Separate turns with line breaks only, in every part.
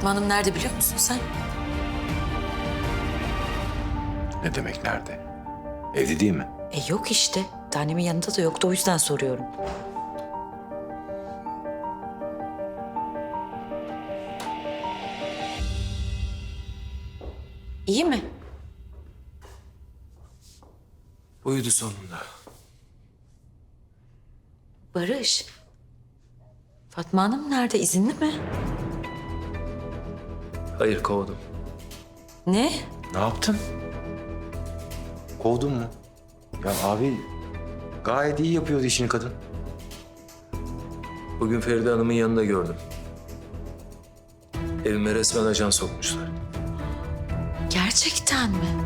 Fatma Hanım nerede biliyor musun sen?
Ne demek nerede? Evde değil mi?
Yok işte. Tanemin yanında da yoktu, o yüzden soruyorum. İyi mi?
Uyudu sonunda.
Barış. Fatma Hanım nerede? İzinli mi?
Hayır, kovdum.
Ne?
Ne yaptın? Kovdun mu? Ya abi gayet iyi yapıyordu işini kadın.
Bugün Feride Hanım'ın yanında gördüm. Evime resmen ajan sokmuşlar.
Gerçekten mi?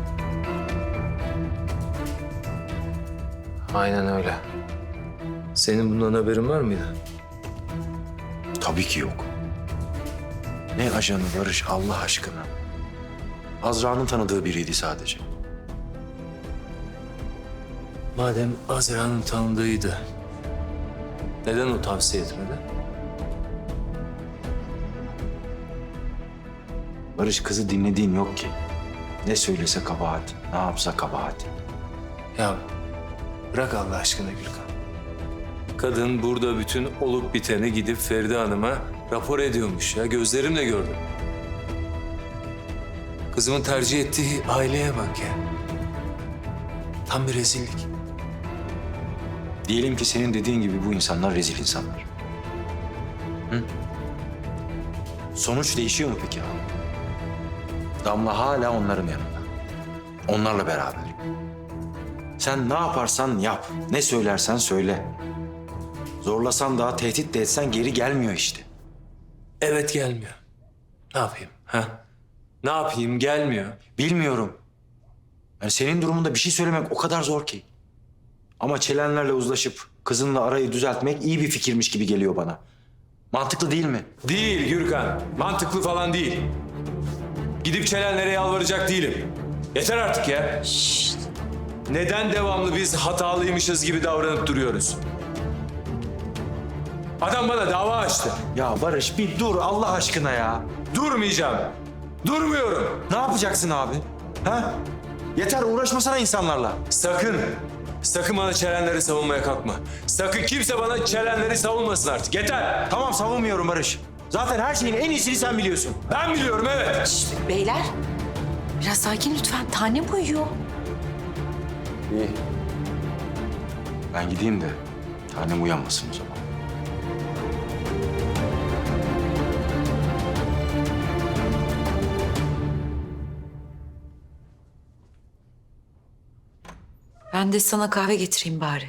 Aynen öyle. Senin bundan haberin var mıydı?
Tabii ki yok. Ne ajanı Barış Allah aşkına. Azra'nın tanıdığı biriydi sadece.
Madem Azra'nın tanıdığıydı, neden o tavsiye etmedi?
Barış kızı dinlediğin yok ki. Ne söylese kabahat, ne yapsa kabahat.
Ya bırak Allah aşkına Gülkan. Kadın burada bütün olup biteni gidip Feride Hanım'a rapor ediyormuş ya. Gözlerimle gördüm. Kızımın tercih ettiği aileye bak ya. Tam bir rezillik.
Diyelim ki senin dediğin gibi bu insanlar rezil insanlar. Hı? Sonuç değişiyor mu peki abi? Damla hala onların yanında. Onlarla beraber. Sen ne yaparsan yap, ne söylersen söyle. Zorlasan da, tehdit de etsen geri gelmiyor işte.
Evet, gelmiyor. Ne yapayım? Ha? Ne yapayım? Gelmiyor.
Bilmiyorum. Yani senin durumunda bir şey söylemek o kadar zor ki. Ama çelenlerle uzlaşıp kızınla arayı düzeltmek iyi bir fikirmiş gibi geliyor bana. Mantıklı değil mi?
Değil Gürkan. Mantıklı falan değil. Gidip çelenlere yalvaracak değilim. Yeter artık ya.
Şşt.
Neden devamlı biz hatalıymışız gibi davranıp duruyoruz? Adam bana dava açtı.
Ya Barış bir dur Allah aşkına ya.
Durmayacağım. Durmuyorum.
Ne yapacaksın abi? Ha? Yeter uğraşmasana insanlarla.
Sakın bana çelenleri savunmaya kalkma. Sakın kimse bana çelenleri savunmasın artık. Yeter.
Tamam savunmuyorum Barış. Zaten her şeyin en iyisini sen biliyorsun.
Ben biliyorum, evet.
Şşt, beyler. Biraz sakin lütfen. Tanem uyuyor.
İyi. Ben gideyim de tanem uyanmasın o zaman.
Ben de sana kahve getireyim bari.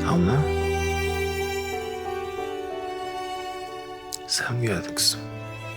Sen mi geldin kızım?